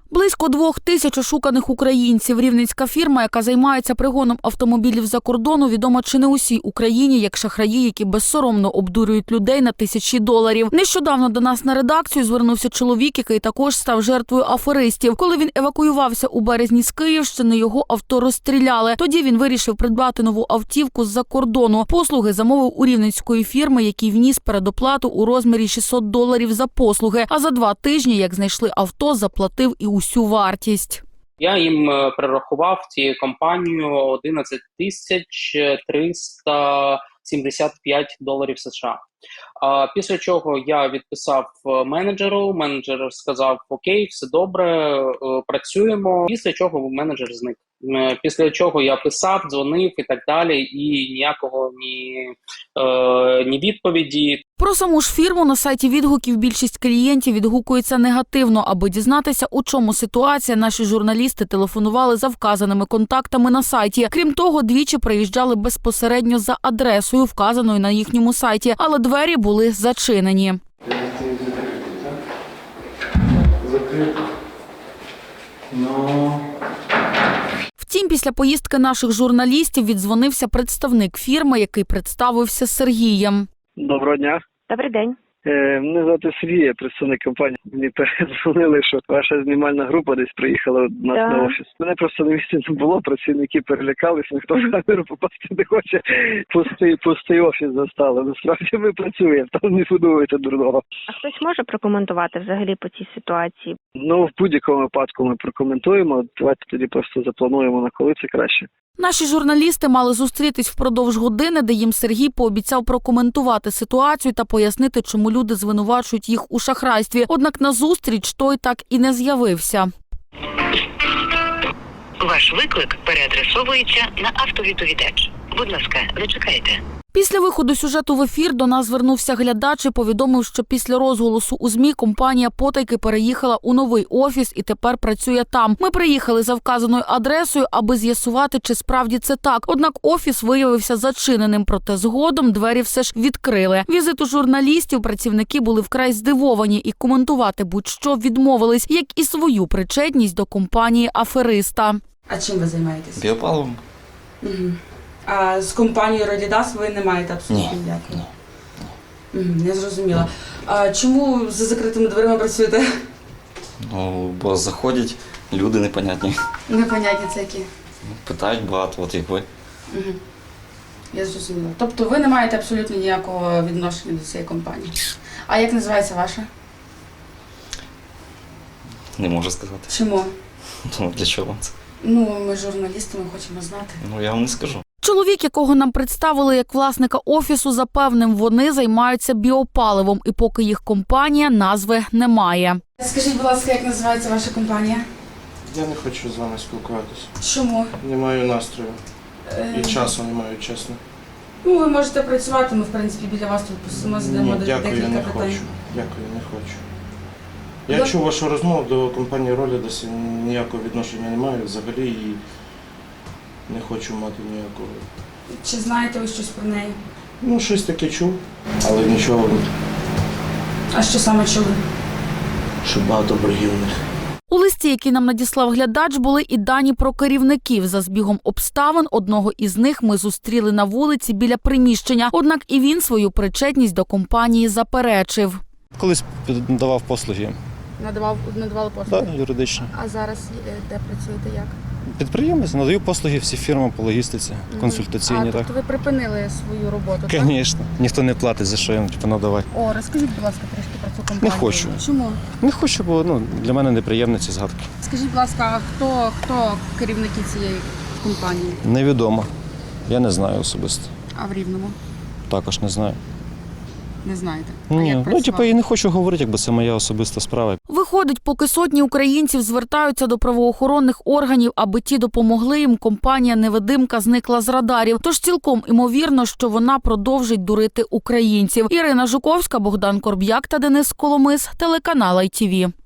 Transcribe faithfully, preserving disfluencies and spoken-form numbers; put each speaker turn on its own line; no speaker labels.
Близько двох тисяч ошуканих українців. Рівненська фірма, яка займається пригоном автомобілів за кордону, відома чи не усій Україні, як шахраї, які безсоромно обдурюють людей на тисячі доларів. Нещодавно до нас на редакцію звернувся чоловік, який також став жертвою аферистів. Коли він евакуювався у березні з Київщини, його авто розстріляли. Тоді він вирішив придбати нову автівку з-за кордону. Послуги замовив у рівненської фірми, який вніс передоплату у розмірі шістсот доларів за послуги. А за два тижні, як знайшли авто, заплатив і усю вартість.
Я їм перерахував цією компанією одинадцять тисяч триста сімдесят п'ять доларів США. А після чого я відписав менеджеру, менеджер сказав: окей, все добре, працюємо. Після чого менеджер зник. Після чого я писав, дзвонив і так далі, і ніякого ні, е, ні відповіді.
Про саму ж фірму на сайті відгуків більшість клієнтів відгукується негативно. Аби дізнатися, у чому ситуація, наші журналісти телефонували за вказаними контактами на сайті. Крім того, двічі приїжджали безпосередньо за адресою, вказаною на їхньому сайті, але двері були зачинені.
Закрито. Ну...
Втім, після поїздки наших журналістів віддзвонився представник фірми, який представився Сергієм.
Доброго дня.
Добрий день.
Е, мене звати Сергій, я представник компанії. Мені передзвонили, що ваша знімальна група десь приїхала до нас
Да.
на офіс. Мене просто на місці не було, працівники перелякались, ніхто в камеру попасти не хоче. Пустий, пустий офіс застали. Насправді ми працюємо, там не будуєте дурного.
А хтось може прокоментувати взагалі по цій ситуації?
Ну, в будь-якому випадку ми прокоментуємо. Давайте тоді просто заплануємо, на коли це краще.
Наші журналісти мали зустрітись впродовж години, де їм Сергій пообіцяв прокоментувати ситуацію та пояснити, чому люди звинувачують їх у шахрайстві. Однак на зустріч той так і не з'явився.
Ваш виклик переадресовується на автовідповідач. Будь ласка, зачекайте.
Після виходу сюжету в ефір до нас звернувся глядач і повідомив, що після розголосу у ЗМІ компанія потайки переїхала у новий офіс і тепер працює там. Ми приїхали за вказаною адресою, аби з'ясувати, чи справді це так. Однак офіс виявився зачиненим, проте згодом двері все ж відкрили. Візиту журналістів працівники були вкрай здивовані і коментувати будь-що відмовились, як і свою причетність до компанії афериста.
А чим ви займаєтесь?
Біопаливом?
Угу. А з компанією Родідас ви не маєте абсолютно
Ні.
ніякого? Угу, я зрозуміла. А чому за закритими дверима працюєте?
Ну, бо заходять люди непонятні.
Непонятні це які.
Питають багато, от як ви.
Угу. Я зрозуміла. Тобто ви не маєте абсолютно ніякого відношення до цієї компанії. А як називається ваша?
Не можу сказати.
Чому?
Ну, для чого вам це?
Ну, ми журналісти, ми хочемо знати.
Ну, я вам не скажу.
Чоловік, якого нам представили як власника офісу, запевнив, вони займаються біопаливом, і поки їх компанія назви не має.
Скажіть, будь ласка, як називається ваша компанія?
Я не хочу з вами спілкуватися.
Чому?
Не маю настрою.
Е,
І часу не маю, чесно.
Ну, ви можете працювати, ми, в принципі, біля вас тут посимо, задамо
Ні, дякую,
декілька
не
питань.
хочу. Дякую, не хочу. Я
Ну,
чув вашу розмову до компанії Ролідас, ніякого відношення не маю взагалі і не хочу мати ніякого.
Чи знаєте ви щось про неї?
Ну, щось таке чув, але нічого,
А що саме чули?
що багато боргів у них.
У листі, який нам надіслав глядач, були і дані про керівників. За збігом обставин одного із них ми зустріли на вулиці біля приміщення. Однак і він свою причетність до компанії заперечив.
Колись надавав послуги,
Надавав, надавали послуги?
да, юридично.
А зараз е, де працюєте, як?
Підприємець, надаю послуги всі фірмам по логістиці, консультаційні.
А,
Так.
тобто ви припинили свою роботу, так?
Звісно, ніхто не платить, за що їм типу, надавати.
О, розкажіть, будь ласка, трішки про цю компанію.
Не хочу.
Чому?
Не хочу, бо ну, для мене неприємні ці згадки.
Скажіть, будь ласка, а хто, хто керівники цієї компанії?
Невідомо. Я не знаю особисто.
А в Рівному?
Також не знаю.
Не знаєте? А
Ні,
як
ну
працювали?
типу, і не хочу говорити, якби це моя особиста справа.
Виходить, поки сотні українців звертаються до правоохоронних органів, аби ті допомогли їм, компанія «Невидимка» зникла з радарів. Тож цілком імовірно, що вона продовжить дурити українців. Ірина Жуковська, Богдан Корб'як та Денис Коломис, телеканал ай ті ві.